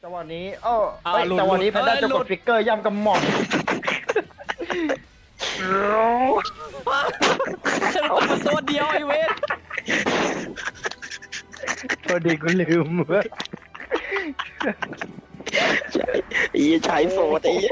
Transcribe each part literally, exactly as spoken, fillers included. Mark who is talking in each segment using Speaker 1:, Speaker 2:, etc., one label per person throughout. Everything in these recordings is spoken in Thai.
Speaker 1: จังหวะนี้เออเฮ้ยจังหวะนี้แพนด้าจะกดฟิกเกอร์ย่ำกำหม่อม
Speaker 2: มันตัวเดียวไอเวท
Speaker 1: พอดีกูลืมเว้ย
Speaker 3: ไอ้ชายโสดไอ้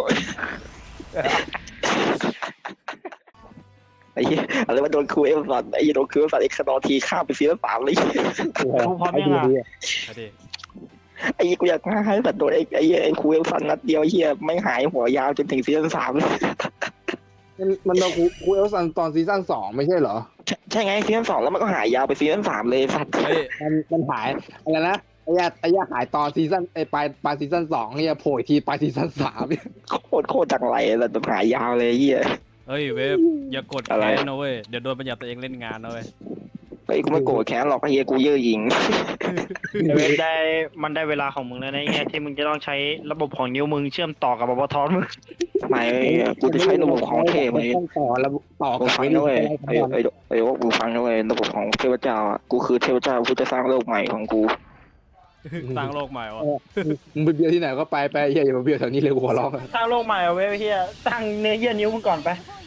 Speaker 3: ไอ้อะไรมาโดนครูเอฟสันไอ้โดนครูเอฟสันไอ้ขนอทีข้ามไปซีซั่นสามเลย
Speaker 1: กูพร้อมยังอ่ะ
Speaker 3: ไอ้กูอยากให้แบบโดนไอ้ไอ้ไอ้ครูเอฟสันนัดเดียวเฮียไม่หายหัวยาวจนถึงซีซั่นสาม
Speaker 4: มันมันโดนครูเอลซันตอนซีซั่นสองไม่ใช่เหรอ
Speaker 3: ใช่ไงซีซั่นสองแล้วมันก็หายยาวไปซีซั่นสามเลยสัตว์
Speaker 4: มันมันหายอะไรนะไอ้ยาไอ้ยาหายตอนซีซั่นไอ้ปลายปลายซีซั่นสองเนี่ยโผล่อีกทีปลายซีซั่นสาม
Speaker 3: โคตรโคตรจังไรแล้วมันหายยาวเลยเฮีย
Speaker 2: เฮ้ยเวฟอย่ากด
Speaker 3: อะไร
Speaker 2: แค้นนะเว้ยเดี๋ยวโดนบัญญัติตัวเองเล่นงานนะเว้ย
Speaker 3: ไอ้กูไม่โกรธแค้นหรอกไอ้เฮียกูเย่อหยิง
Speaker 1: เวฟได้มันได้เวลาของมึงแล้วนะไอ้เนี่ยที่มึงจะต้องใช้ระบบของนิ้วมึงเชื่อมต่อกับบอทอนมึง
Speaker 3: ไม่กูจะใช้ระบบของเทพไอ้
Speaker 4: ต้องต่อระบบต่อ
Speaker 3: กู
Speaker 4: กับ
Speaker 3: ฟังนะเว้ยไอ้ไอ้ไอ้ว่ากูฟังนะเว้ยระบบของเทพเจ้าอ่ะกูคือเทพเจ้ากูจะสร้างโลกใหม่ของกู
Speaker 2: สร้างโลกใหม่วะ
Speaker 4: มึงไปเบียวที่ไหนก็ไปไปเฮียอย่ามาเบียวแถวนี้เลยหัวร้อง
Speaker 1: สร้างโลกใหม่เอาเว้ยเฮียสร้างเนื้อเยื่อนิ้วมึงก่อนไป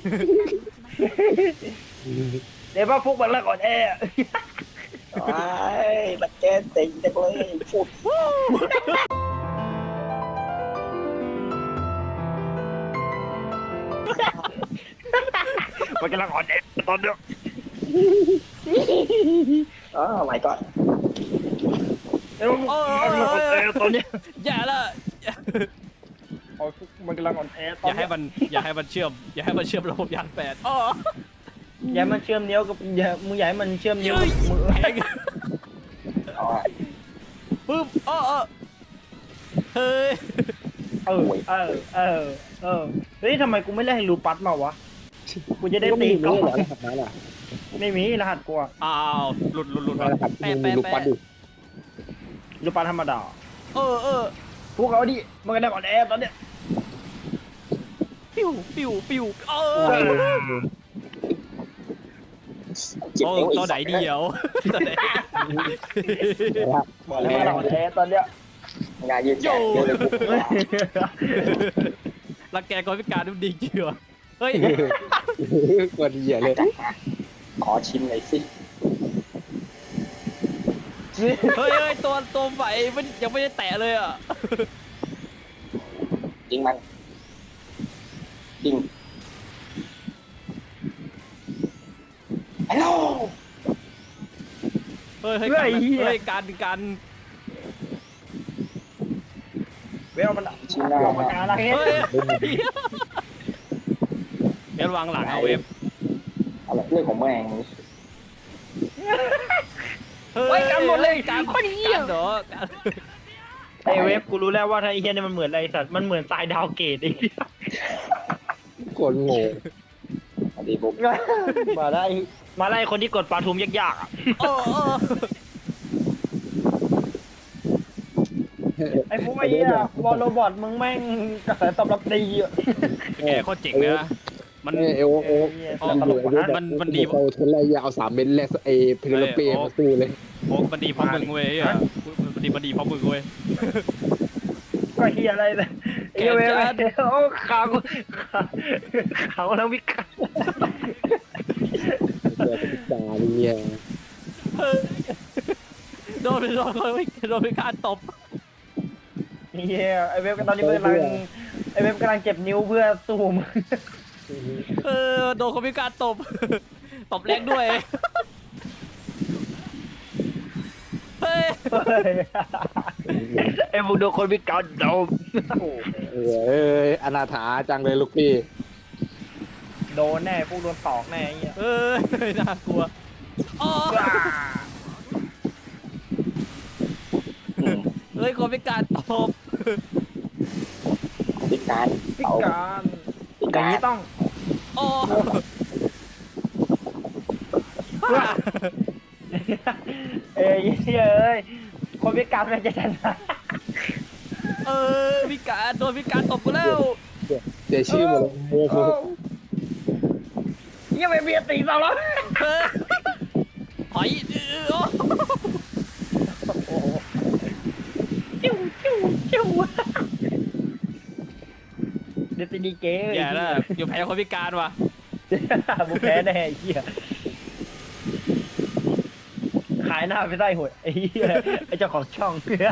Speaker 1: เดี๋ยวว่าฟุกมันละก่อนแอ
Speaker 3: ไอ้บัดเจนติงจังเลยพูด
Speaker 1: มันกำลังอ่อนแอตอนเนี้ย
Speaker 3: อ๋อไม่ก่อน
Speaker 1: เดี๋ยวมันกำลังอ่อนแอตอนเนี้ย
Speaker 2: อย่าละ
Speaker 1: อ๋อมันกำลังอ่อนแอต
Speaker 2: อ
Speaker 1: อน
Speaker 2: ย่าให้
Speaker 1: เนี้ย
Speaker 2: มันอย่าให้มันเชื่อมอย่าให้มันเชื่อมระบบยานแปดอ๋อ
Speaker 1: อย่าให้มันเชื่อมนิ้วกับอย่ามึงอย่าให้มันเชื่อมนิ้ว
Speaker 2: เฮ้ย
Speaker 1: กับมือ
Speaker 2: แข็งปึ๊บอ๋ออ๋อเฮ้ย
Speaker 1: เออเออเออเออเฮ้ยทำไมกูไม่เล่นให้รูปัสมาวะกูจะได้ตี
Speaker 4: ก็
Speaker 1: ก่อ
Speaker 4: ไม่เหรอน รหัสนั้นอ่ะ
Speaker 1: ไม่มีรหัสกูอะ
Speaker 2: อ้าวหลุดหลุดหลุด
Speaker 4: รหัส
Speaker 2: แปะ
Speaker 4: มึงมี
Speaker 2: แปะ
Speaker 4: ลูกปัด
Speaker 2: แปะ
Speaker 4: ดิ
Speaker 1: รูปัสธรรมดา
Speaker 2: เออเออ
Speaker 1: พวกเขาดิมันกำลังอ่อนแอตอนเนี้ย
Speaker 2: ปิ้วปิ้วปิ้วเอ
Speaker 1: เอ
Speaker 2: อ
Speaker 1: อ
Speaker 3: เจ็บ
Speaker 2: โอ้
Speaker 3: นิ้วอี
Speaker 2: ตัว
Speaker 3: ก
Speaker 2: ไหนเดียวตัวไหน
Speaker 1: บอกเลยว่าเราอ่อนแอตอนเนี้ย
Speaker 3: งานยืดแขนเยอะเลยกู
Speaker 2: รังแกคนพิการดูดีจริงเหรอเฮ้ย
Speaker 4: กดเหี้ยเลย
Speaker 3: ขอชิมหน่อยสิ
Speaker 2: เฮ้ยเฮ้ยตัวตัวใหม่มันยังไม่ได้แตะเลยอ่ะ
Speaker 3: ยิงมันยิงฮัลโหล
Speaker 2: เฮ้ยเฮ้ยกันเฮ้ยการการ
Speaker 1: เวลมัน
Speaker 3: ชิมหน้า
Speaker 1: ออกมาการอะไร
Speaker 2: เฮ้ยเว็บวางหลังเอาเว็บ
Speaker 3: อะไรเรื่องของแม่ง
Speaker 2: เฮ้ยกันหมดเลยการกันเหรอ
Speaker 1: ไอเวฟกูรู้แล้วว่าไอ้เฮียเนี่ยมันเหมือนอะไรสัตว์มันเหมือนทรายดาวเกตไอ้เหี้ย
Speaker 4: กดโง่
Speaker 3: สวัสดีบุ๊ก
Speaker 1: มาได้มาไล่คนที่กดปลาทูมยากๆอ่ะ
Speaker 2: โอ้โอ้
Speaker 1: ไอ้พวกไอ้เหี้ยบอลโรบอทมึงแม่งกระแสตอบรับดีอ่ะ
Speaker 2: แกโคตรเจ๋งเลยนะมัน
Speaker 4: เอโอโอ
Speaker 2: มันมันดี
Speaker 4: เขาทนไล่ยาวสามเมตรแรกไอ้เพลเป้มาสู้เลย
Speaker 2: โอ้มันดีเพราะมึงเว้ยอ่ะมันดีมันดีเพราะมึงเว้ย
Speaker 1: ก็เฮียอะไรเลยไอ้เวฟโอ้ขาวขาวแล้ววิกา
Speaker 4: เดี๋ยวจะพิจารณาเนี่ย
Speaker 2: โดนโดนโดนพิการตบ
Speaker 1: เฮียไอ้เวฟตอนนี้มันกำลังไอ้เวฟกำลังเจ็บนิ้วเพื่อสู้มึง
Speaker 2: เออโดนคนพิการตบตบแรงด้วยเฮ้ย
Speaker 1: ไอ้พวกโดนคนวิการโดน
Speaker 4: เอ้ยอนาถาจังเลยลูกพี่
Speaker 1: โดนแน่พวกโดนตอกแน่ไอ้เหี้ย
Speaker 2: เออน่ากลัวอ๋อเฮ้ยคนพิการตบ
Speaker 3: พิการ
Speaker 1: พิ
Speaker 3: เอา
Speaker 1: การอ
Speaker 3: พิ
Speaker 1: ย่าง
Speaker 3: การ
Speaker 1: นี้ต้อง
Speaker 2: อ๋อ
Speaker 1: เอ้ยเอ้ยคนพิการมันจะชนะ
Speaker 2: เออพิการโดนพิการตบกูแล้ว
Speaker 4: เสียชื่อหมดเลยโมโห
Speaker 1: ยังไม่เบียดตีเราแล้ว
Speaker 2: เฮ้ยหอยเออ
Speaker 1: จิ้วจิ้วจิ้จูเดตินีเก๋
Speaker 2: อย่าละอยู่แพ้คนพิการว่ะ
Speaker 1: มึงแพ้แน่ไอ้เหี้ยขายหน้าไปได้หวยไอ้เหี้ยไอ้เจ้าของช่อง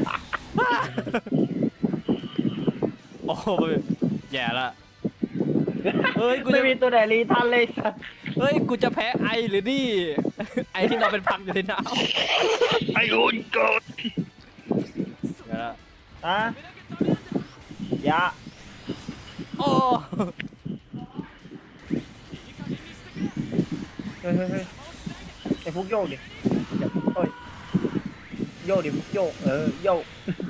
Speaker 2: โอ้โหแย่ละเฮ้ยกู
Speaker 1: ไม่
Speaker 2: จะ
Speaker 1: มีตัวไหนรีทันเลยสัตว์
Speaker 2: เฮ้ยกูจะแพ้ไอหรือนี่ ไอที่เราเป็นพังอยู่ในน้ำ
Speaker 1: ไอ้คนกด
Speaker 2: เดี๋ยวละ
Speaker 1: อะยะ
Speaker 2: โอ้
Speaker 1: เฮ้ยเฮ้ยเฮ้ยไอ้ฟุกโยกดิอย่าโอ้ยโยกดิฟุกโยกเออโยก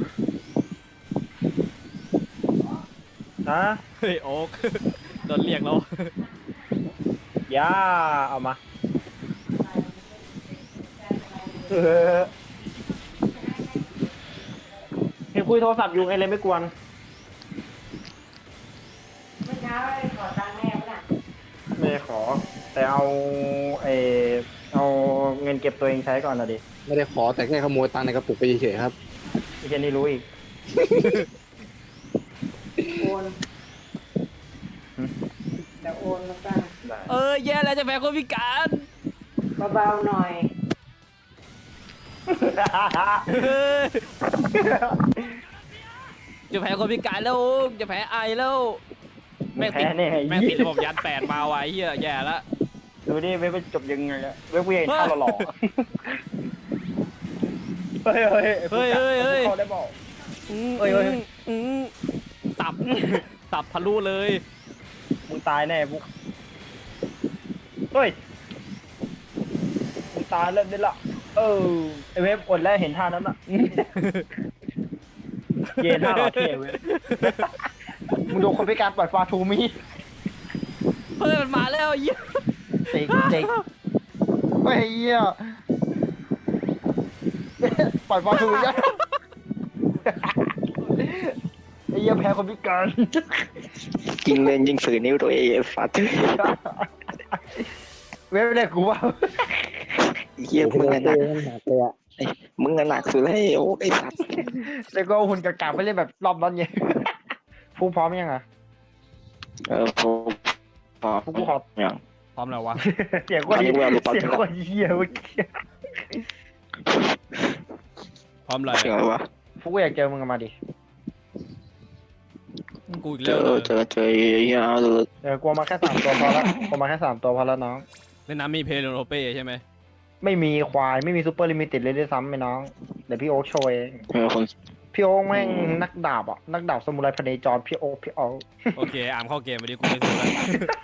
Speaker 1: ฮะ
Speaker 2: เฮ้ยโอ๊กโดนเรียกแล้ว
Speaker 1: ยาเอามาเออเห็นคุยโทรศัพท์อยู่ไงเลยไม่กวน
Speaker 5: เมื่อเช้าได้ขอตังค์แม่ปะน่ะ
Speaker 1: ไม่ได้ขอ แต่เอาเออเอาเงินเก็บตัวเองใช้ก่อนนะดิ
Speaker 4: ไม่ได้ขอแต่แค่ขโมยตังค์ในกระปุกไปเฉยๆครับ
Speaker 1: ไอ้เจนนี่รู้อีก
Speaker 5: โอนแต่โอนมาตั้ง
Speaker 1: ได้
Speaker 2: เออแย่แล้วจะแพ้คนพิการ
Speaker 5: เบาๆหน่อย
Speaker 2: เฮ้ยจะแพ้คนพิการแล้วโอ๊กจะแพ้ไอแล้วแม่งติด
Speaker 1: แพ้แน่
Speaker 2: แม่งติดระบบยานแปดมาไว้เฮียแย่ละ
Speaker 1: ดูดิเว็บมันจบยังไงอะเว็บเวียนท่าหล่อๆเฮ้ยเฮ้ย
Speaker 2: เฮ้ยเฮ้ยเฮ้ย
Speaker 1: เขาได้บอก
Speaker 2: อืม
Speaker 1: เฮ้ยเฮ้ย
Speaker 2: อืมสับ สับทะลุเลย
Speaker 1: มึงตายแน่บุ๊กเฮ้ยมึงตายแล้วได้ละเออไอเว็บอดแล้วเห็นท่านั้นอะ เย็นท่าหล่อเท่เว้ย มึงดูคนพิการปล่อยฟาทูมี
Speaker 2: เฮ้ยมันมาแล้วเหี้ย
Speaker 1: เด็กเด็กเฮ้ยเหี้ยปล่อยฟาทูมีอะไอ้เหี้ยแพ้คนพิการ
Speaker 3: ยิงเล่นยิงสื่อนิ้วตัวเองไอ้สัตว์
Speaker 1: เว็บเรียกกูว่า
Speaker 3: ไอ้เหี้ยมึงอะหนัก
Speaker 4: หนักเลยอะ
Speaker 3: ไอ้มึงอะหนักสุดแล้วไอ้โอ้ไอ้สัตว์
Speaker 1: แล้วก็หุ่นกากาไปเล่นแบบรอบนั้นไงฟูพร้อมยังอ่ะ
Speaker 3: เออพอพอ
Speaker 1: ฟูกูขอ
Speaker 3: อย่าง
Speaker 2: พร้อมแล้ววะ
Speaker 1: เสียงคนเสียงคนเหี้ยเมื่อกี้
Speaker 2: พร้อมเลย
Speaker 3: เสียงอะไรวะ
Speaker 1: ฟูกูอยากเจอมึงมาดิ
Speaker 2: กูอีก
Speaker 3: เจ
Speaker 2: แล้ว
Speaker 3: อ
Speaker 2: เลย
Speaker 3: เจอเจอไอ้เหี้ยเลย
Speaker 1: เออกลัวมาแค่สามตัวพอละกลัวมาแค่สามตัวพอละน้อง
Speaker 2: ในน้ำมีเพลโรเป้ใช่ไหม
Speaker 1: ไม่มีควายไม่มีซูเปอร์ลิมิเต็ดเลยด้วยซ้ำไอ้น้องเดี๋ยวพี่โอ๊คโชว์เอง
Speaker 3: เออคน
Speaker 1: พี่โอ๊คแม่งนักดาบอ่ะนักดาบสมุไรพเนจรพี่โอ๊คพี่โอ๊ค
Speaker 2: โอเคอามเข้าเกมไปดิกูไม่สนแล้ว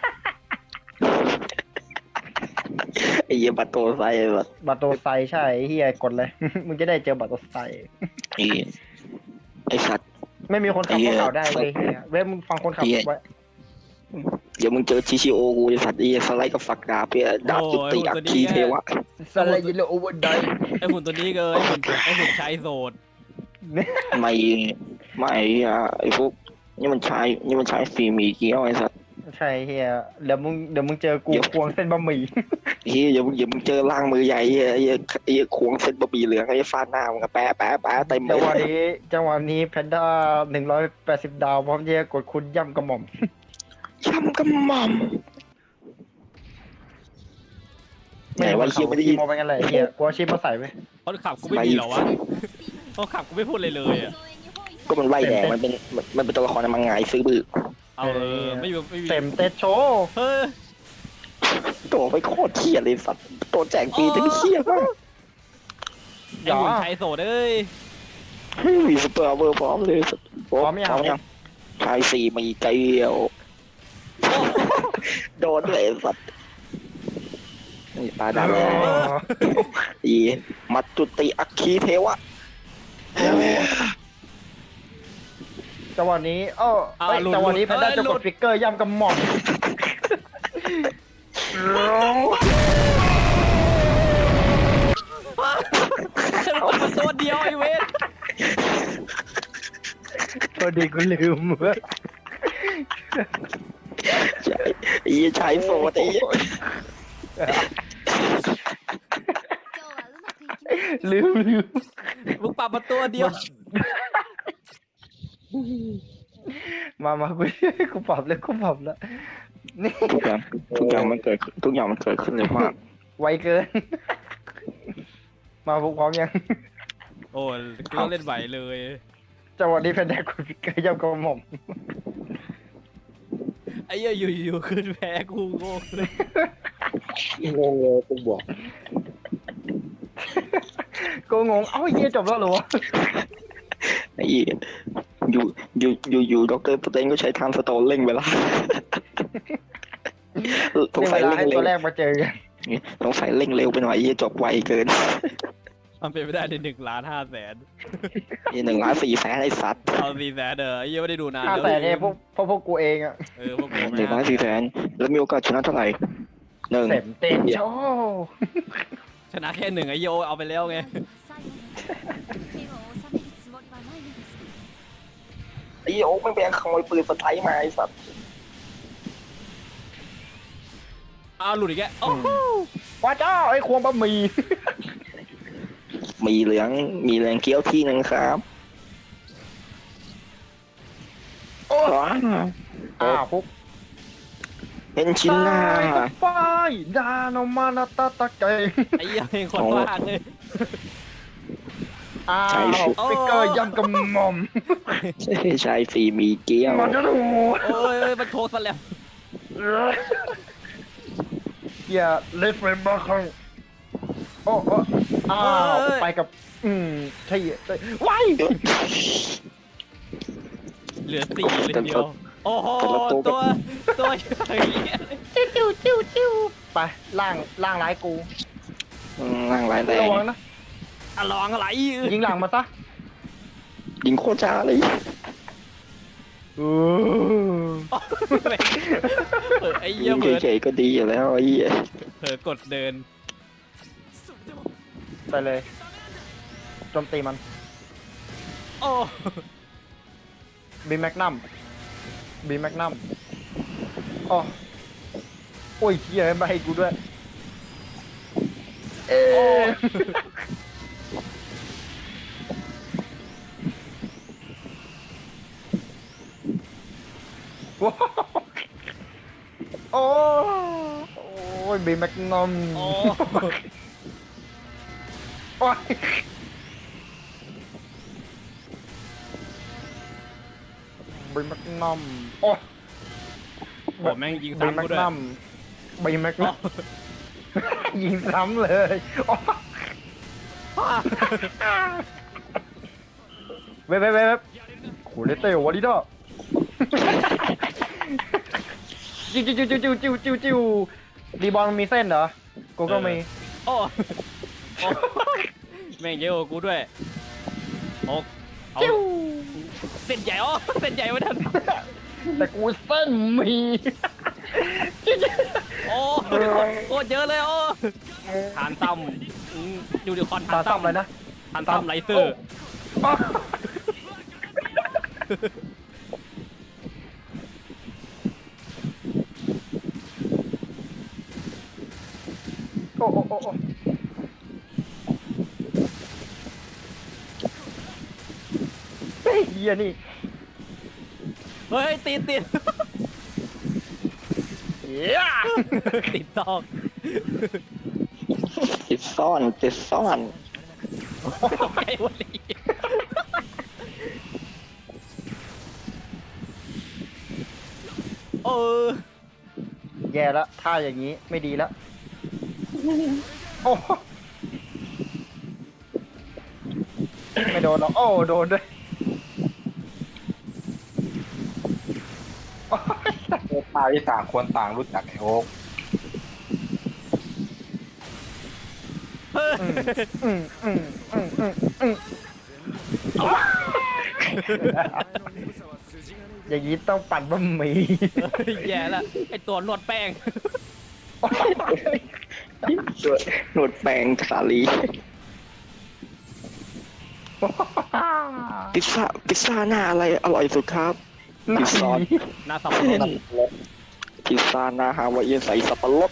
Speaker 3: ไอ้เหี้ยบัตโตไซไอ้สัตว์
Speaker 1: บัตโตไซใช่เฮียกดเลย มึงจะได้เจอบัตโตไซ
Speaker 3: ไอ้ไอ้สัตว์
Speaker 1: ไม่มีคนขับ
Speaker 3: ไอ้เหี้
Speaker 1: รถ
Speaker 3: ย
Speaker 1: เขาได้เลยเฮียเว้ยมึงฟังคนขับ
Speaker 3: ไอ้เหี้ย
Speaker 1: ไว้
Speaker 3: เดี๋ยวมึงเจอชิชิโอกูไอ้สัตว์ไอ้เหี้ยสไลด์กับฝักดาบเพื่อดาบจุติอัคคีเทวะ
Speaker 1: สไลด์ยิโลโอเวอร์ได
Speaker 2: ไอหุ่นตัวนี้เลยไอหุ่นไอหุ่นชายโสด
Speaker 3: ไม่ไม่อ่ะไอ้พวกนี่มันใช้นี่มันใช้ฟิล์มอีเกี้ยวไอ้สัตว์
Speaker 1: ใช่เฮียเดี๋ยวมึงเดี๋ยวมึงเจอกู
Speaker 3: เดี๋ยว
Speaker 1: ควงเส้นบะหมี่
Speaker 3: เฮ้ยอย่ามึงอย่ามึงเจอล่างมือใหญ่ไอ้เหี้ยไอ้เหี้ยควงเส้นบะหมี่เหลืองไอ้ฟาดหน้ามึงอะแปะแปะแปะเต็มเล
Speaker 1: จังหวะ
Speaker 3: ย
Speaker 1: นี้จังหวะนี้แพนด้าหนึ่งร้อยแปดสิบดาวพร้อมที่จะกดคุณย่ำกระหม่อม
Speaker 3: ช้ำกำหม่อมไหนว่าเฮียไม่ได้ยิน
Speaker 1: โมไปกันเลยเฮียกูเอาชิปมาใส่ไว้
Speaker 2: คนขับกูไม่มีเหรอวะคนขับกูไม่พูดเลยเลยอ่ะ
Speaker 3: ก็มันไล่แดงมันเป็นมันมันเป็นตัวละครในมังงะซื้อบื้อ
Speaker 2: เอาเออไม่มีไม่มี
Speaker 1: เต็มเต็ดโชว์
Speaker 2: เฮ้ย
Speaker 3: ตัวไปโคตรเทียเลยสัตว์ตัวแจกฟรีจะไม่เทียมาก
Speaker 2: ไอหุ่นชายโสดเอ้ย
Speaker 3: ไม่มีสเปอร์เวอร์พร้อมเลยสัตว์พร้อมยังชายสี่มีไกลเดียวโดนเลยสัตว์นี่ตาดำเลยอีมัตตุติอัคคีเทวะ
Speaker 1: จังหวะนี้เออเอ้ยจังหวะนี้แพนด้าจะกดฟิกเกอร์ย่ำกระหม่อม
Speaker 2: มันตัวเดียวไอเวน
Speaker 1: พอดีกูลืมเว้ย
Speaker 3: ใช่อีชายโซดไอ้
Speaker 1: ลืมลืม
Speaker 2: มึงปรับมาตัวเดียว
Speaker 1: มามากูกูปรับเลยกูปรับแล้วนี่
Speaker 3: ทุกอย่างทุกอย่างมันเกิดขึ้นทุกอย่างมันเกิดขึ้นเลยมาก
Speaker 1: ไวเกิน มาพวกพร้อมยัง
Speaker 2: โอ้ก็เล่นไหวเลย
Speaker 1: จังหวะนี้แพนด้ากูพิกเกอร์ย่ำกระหม่อม
Speaker 2: ไอ้เหี้ยอยู่ๆขึ้นแพ้กูโง่เลย
Speaker 4: งงเลยกูบอก
Speaker 1: กูงงเอ้าเหี้ยจบแล้วเหรอวะ
Speaker 3: ไอ้เหี้ยอยู่อยู่อยู่อยู่ด็อกเตอร์สเตนก็ใช้ทางสโตนเร่งเวลาสง
Speaker 1: นี่
Speaker 3: สั
Speaker 1: เวย ลา
Speaker 3: เร่ง
Speaker 1: ให้
Speaker 3: เร็
Speaker 1: ตัว วแรกมาเจอกัน
Speaker 3: สงสัยเร่งเร็วไปหน่อยไอ้เหี้ยจบไวเกิน
Speaker 2: มันเป็นไปได้ในหนึ่งล้านห้าแสน
Speaker 3: นี่หนึ่งล้านสี่แสนไอ้สัตว์
Speaker 2: เอาสี่แสนเด้อไอ้เหี้ยไม่ได้ดูนาน
Speaker 1: ห้า
Speaker 2: แล้ว
Speaker 1: แสนเนี่ยพวกพวกพวกกูเองอะ
Speaker 2: เออพวกกู
Speaker 3: หนึ่งล้านสี่แสนแล้วมีโอกาสชนะเท่าไหร่หนึ่ง
Speaker 1: เต็มเต็มโช
Speaker 2: ชนะแค่หนึ่งไอ้เหี้ยเอาไปแล้วไง
Speaker 3: ไอ้โอ๊กไม่เป็นขโมยปืนสไตล์มาไอ้สัตว์
Speaker 2: อ้าวหลุดอีกแกโอ้โห
Speaker 1: ว้าเจ้าไอ้ควงบะหมี่
Speaker 3: มีเหลืองมีเหลืองเกี้ยวที่หนึ่งครับ
Speaker 1: โอ้
Speaker 3: ว้า
Speaker 1: อ่าปุ๊บ
Speaker 3: เห็นชิ้นหน้า
Speaker 1: ตายก็ไปดาโนมานาตาตะเกย
Speaker 2: ไอ้เหี้ยเพลงคนบ้าเลย
Speaker 1: อ้าวพิกเกอร์ย่ำกระหม่อม
Speaker 3: ใช่สีมีเกี้ยว
Speaker 1: มันจะดู
Speaker 2: โอ้ยมันโชว์สแลม
Speaker 1: อย่าเล่นเฟรมบ้าครั้งโอ้โอ้อ้าวไปกับอืมใช่ใช่ว้าย
Speaker 2: เหลือสี่เลยเดียวโอ้โหตัวตัวใหญ่
Speaker 1: จิ้วจิ้วจิ้วจิ้วไปล่างล่างร้ายกู
Speaker 3: อืมร่างร้ายแร
Speaker 1: ระ
Speaker 3: ง
Speaker 1: วังนะ
Speaker 2: อะลองอะไร
Speaker 1: ยิงหลังมาซะ
Speaker 3: ยิงโคตรจ้าเลย
Speaker 1: เออ
Speaker 2: เออไอ้เหี้
Speaker 3: ยิ
Speaker 2: ย
Speaker 3: ง
Speaker 2: เบิร์ด
Speaker 3: เฉยๆก็ดีอยู่แล้วไอ้เหี้ย
Speaker 2: เผลอกดเดิน
Speaker 1: ไปเลยโจมตีมัน
Speaker 2: โอ้
Speaker 1: บีแมกนัมบีแมกนัมอ๋อโอ้ยเฮียไม่ให้กูด้วยเอ๊ะว้าวโอ้โอ้ยบีแมกนัม
Speaker 2: โอ้
Speaker 1: โอ้ยบีแมกนัมโอ้ย
Speaker 2: โหแม่งยิง
Speaker 1: บี
Speaker 2: ซ้ำ
Speaker 1: แม
Speaker 2: กู
Speaker 1: ก
Speaker 2: ด้วย
Speaker 1: นัมบีแมก
Speaker 2: โอ้
Speaker 1: นัมยิงซ้ำเลยโอ้ยเว็บเว็บเว็บโหเลเต้วอลิด้าจิ้วจิ้วจิ้วจิ้วจิ้วจิ้วจิ้วรีบอลมีเส้นเหรอกูก็มี
Speaker 2: โอ้โอ้แม่งเยอะกว่ากูด้วยโอ้เอา
Speaker 1: จิ้ว
Speaker 2: เส้นใหญ่อ๋อเส้นใหญ่ไว้ทัน
Speaker 1: แต่กูเส้นมีจิ้วจิ้ว
Speaker 2: โอ้โคตรเยอะเลยโอ้ฐานต่ำอืมยูนิคอร์น
Speaker 1: ตา
Speaker 2: ฐาน
Speaker 1: ซ้ำเลย
Speaker 2: ต่ำ
Speaker 1: นะ
Speaker 2: ฐานต่ำไลเซอร์
Speaker 1: โอ้โอ้โอ้โอ้เฮ้ยเฮียนี่
Speaker 2: เฮ้ยติดติด
Speaker 1: เฮีย
Speaker 2: ติดตอก
Speaker 3: ติดซ่อนติดซ่อน
Speaker 2: ตกใจวันนี้เออ
Speaker 1: แย่แล้วท่าอย่างนี้ไม่ดีแล้วโอ้ไม่โดนหรอกโอ้โดนด้วยโอ้ย
Speaker 4: ตายที่ต่างคนต่างรู้จักไอ้โอ๊ก
Speaker 2: เฮ้ย
Speaker 1: อืมอืมอืมอืมอืมอย่างนี้ต้องปั่นบะหมี่
Speaker 2: แย่ละไอตัวนวดแป้ง
Speaker 3: หนวดแปลงสาลีพิซซ่าพิซซ่าหน้าอะไรอร่อยสุดครับ พิซซ่า
Speaker 2: หน้าสับปะรด
Speaker 3: พิซซ่าหน้าฮาวายเอียนใส่สับปะรด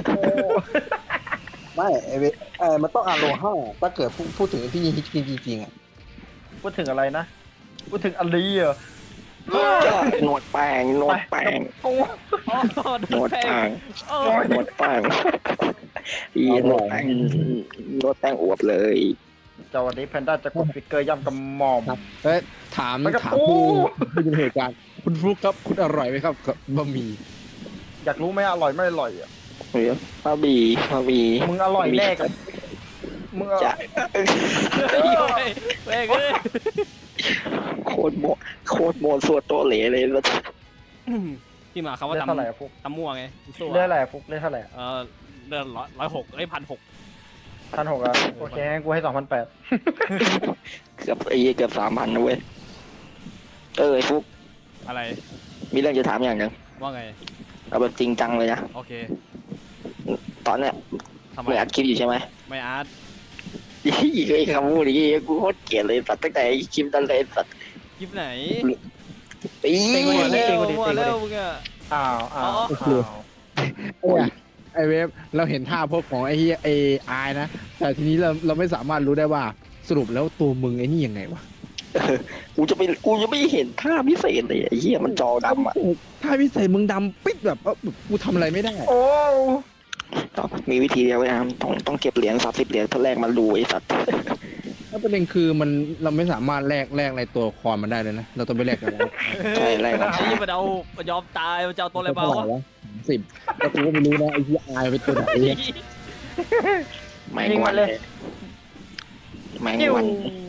Speaker 4: ไม่ไอ้เว้ยเออมันต้องอาโลห้าถ้าเกิดพูดพูดถึงที่ฮิตจริงๆอ่ะ
Speaker 1: พูดถึงอะไรนะ พูดถึงอะไรอ่ะ
Speaker 3: จ้าหนวดแป้งหนวดแป้ง
Speaker 1: กู
Speaker 2: อ๋อ
Speaker 3: หน
Speaker 2: โด
Speaker 3: วน ด
Speaker 2: แท
Speaker 3: แป้
Speaker 2: ง
Speaker 3: ง
Speaker 2: โอ้
Speaker 3: หนวดแป้งอีหนวดแป้งหนวดแป้งอวบเลย
Speaker 1: เจ้าวันนี้แพนด้าจะกดฟิกเกอร์ย่ำกำหม่อม
Speaker 4: ครับเอ้ยถาม
Speaker 1: ไปกับ
Speaker 4: ถาม
Speaker 1: กู
Speaker 4: ผู้ผู้อยู่ในเหตุการณ์คุณฟลุกครับคุณอร่อยไหมครับกับบะหมี่
Speaker 1: อยากรู้ไหมอร่อยไม่อร่อยอ่ะ
Speaker 3: เฮ้ยมาบีมาบี
Speaker 1: มึงอร่อยแน่กับมึง
Speaker 3: จะ
Speaker 2: เฮ้ยเว้ยเว้ยเอ้ย
Speaker 3: โคตรโมโคตรโมสวดตัวเหลเลยแล้ว
Speaker 2: ที่มาคำว่า
Speaker 1: เล่น
Speaker 2: ตำ
Speaker 1: เท่าไหร่อะฟุก
Speaker 2: ตำมั่วไงสู้
Speaker 1: เล่นเท่าไหร่อะฟุกเล่นเท่าไหร่
Speaker 2: เออเดือนร้อยร้อยหกเอ้ยพันหก
Speaker 1: พันหกอ่ะโอเคงั้นกูให้สองพันแปด
Speaker 3: เกือบไอ้เกือบสามพันนะเว้ยเออไอ้ฟุก
Speaker 2: อะไร
Speaker 3: มีเรื่องจะถามอย่างหนึ่ง
Speaker 2: ว่าไง
Speaker 3: เอาแบบจริงจังเลยนะ
Speaker 2: โอเค
Speaker 3: ตอนเนี้ย
Speaker 2: ทำไม
Speaker 3: ไม่อัดคลิปอยู่ใช่ไหม
Speaker 2: ไม่อาร์ต
Speaker 3: ยี่ไอ้คำพูดอย่างงี้กูโคตรเกลียดเลยสัตว์ตั้งแต่ไอ้คลิปนั้นเลยสัตว์
Speaker 2: คลิปไหน
Speaker 3: ปี
Speaker 1: เต็ง
Speaker 2: มั่
Speaker 1: ก
Speaker 2: ว
Speaker 1: ว่านี้
Speaker 2: แล้ว
Speaker 1: เต็งกว่านี้
Speaker 2: มั่ว
Speaker 1: เต็งกว่านี้
Speaker 2: แล้วมึงอะ
Speaker 1: อ้าวอ้าว
Speaker 2: อ๋อ
Speaker 1: อ้าว
Speaker 4: เนี่ยไอเวฟเราเห็นท่าพวกของไอเฮียไออายนะ แต่ทีนี้เราเราไม่สามารถรู้ได้ว่าสรุปแล้วตัวมึงไอ้นี่ยังไงวะ
Speaker 3: เออกูจะไปกูจะไม่เห็นท่าพิเศษเลยไอ้เหี้ยมันจอดำอ่ะ
Speaker 4: ท่าพิเศษมึงดำปิดแบบว่ากูทำอะไรไม่ได้
Speaker 1: โอ้
Speaker 3: มีวิธีเดียวไว้นะต้องต้องเก็บเหรียญสามสิบเหรียญเพื่อแลกมาดูไอ้สัตว์
Speaker 4: แล้วประเด็นคือมันเราไม่สามารถแลกแลกในตัวละครมันได้เลยนะ เราต้องไปแลกกันแล้ว
Speaker 3: ใช่แลกมา
Speaker 2: ไอ้ยี่มันเอามันยอมตายมันจะเอาตัวอะไรมา
Speaker 4: เท่าไห
Speaker 2: วะ
Speaker 4: ร่วะสิบแล้วกูก็ไม่รู้นะไอ้ที่อายเป็นตัวไหนเนี่ย
Speaker 3: แมงวันเลยแมง
Speaker 1: ยิ้ว
Speaker 3: วัน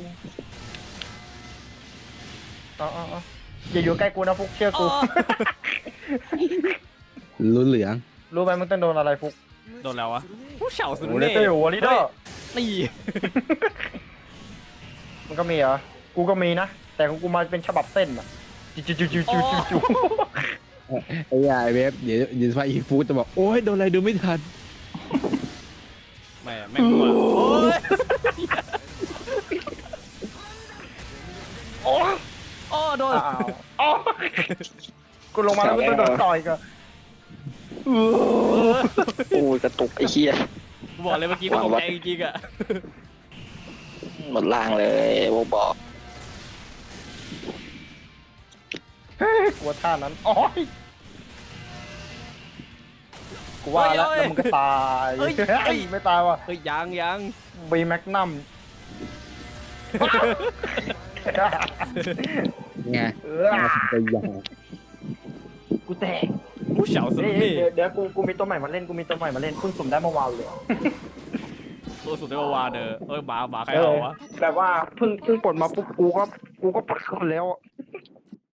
Speaker 1: อ๋ออ๋ออ๋ออย่าอยู่ใกล้กูนะฟุกเชื่อ
Speaker 2: อ๋
Speaker 1: กู
Speaker 2: อ
Speaker 4: รู้เหลือง
Speaker 1: รู้ไหมมึงต้องโดนอะไรฟุก
Speaker 2: โดนแล้ววะผู้เฉาสุด
Speaker 1: โอ้เล
Speaker 2: เน่
Speaker 1: เต้หัวลิเดอร์
Speaker 2: นี่
Speaker 1: มันก็มีเหรอ กูก็มีนะ แต่ของกูมาเป็นฉบับเส้นอะจิจูจูจูจูจูจู
Speaker 4: ไอ้ยาไอ้เวฟเดี๋ยวเดี๋ยวไฟอีฟูดจะบอกโอ้ยโดนอะไรดูไม่ทัน
Speaker 2: ไม่อะไม่มั่วโอ้ย
Speaker 1: โอ้
Speaker 2: โอ้โดน
Speaker 1: อ้าวอ๋อกูลงมาแล้วกูต้องโดนต่อยกัน
Speaker 2: เออ
Speaker 3: โอ้ยกระตุกไอ้เหี้ย
Speaker 2: กูบอกเลยเมื่อกี้ก็ตกใจจริงๆอะ
Speaker 3: หมดล่างเลยโวบอก
Speaker 1: กลัวท่านั้นโอ้ยกูว่าแล้วแล้วมึงก็ตายเฮ้ยไม่ตายว่ะ
Speaker 2: เฮ้ยยังยัง
Speaker 1: บีแมกนัม
Speaker 4: ไง
Speaker 1: เออ
Speaker 4: มาถึงไปยาว
Speaker 1: กูแตก
Speaker 2: ผู้เฉาสุด
Speaker 1: เดี๋ยว
Speaker 2: เน่
Speaker 1: เดี๋ยวเดี๋ยวกูกูมีตัวใหม่มาเล่นกูมีตัวใหม่มาเล่นเพิ่งสุ่มได้เมื่อวานเลย
Speaker 2: ตัวสุดในวาเดอเอ้ยหมาหมาใคร
Speaker 1: เอ
Speaker 2: เอา
Speaker 1: อ
Speaker 2: วะ
Speaker 1: แบบว่าเพิ่งเพิ่งปลดมาปุ๊บกูก็กูก็ปลดคนแล้วอะ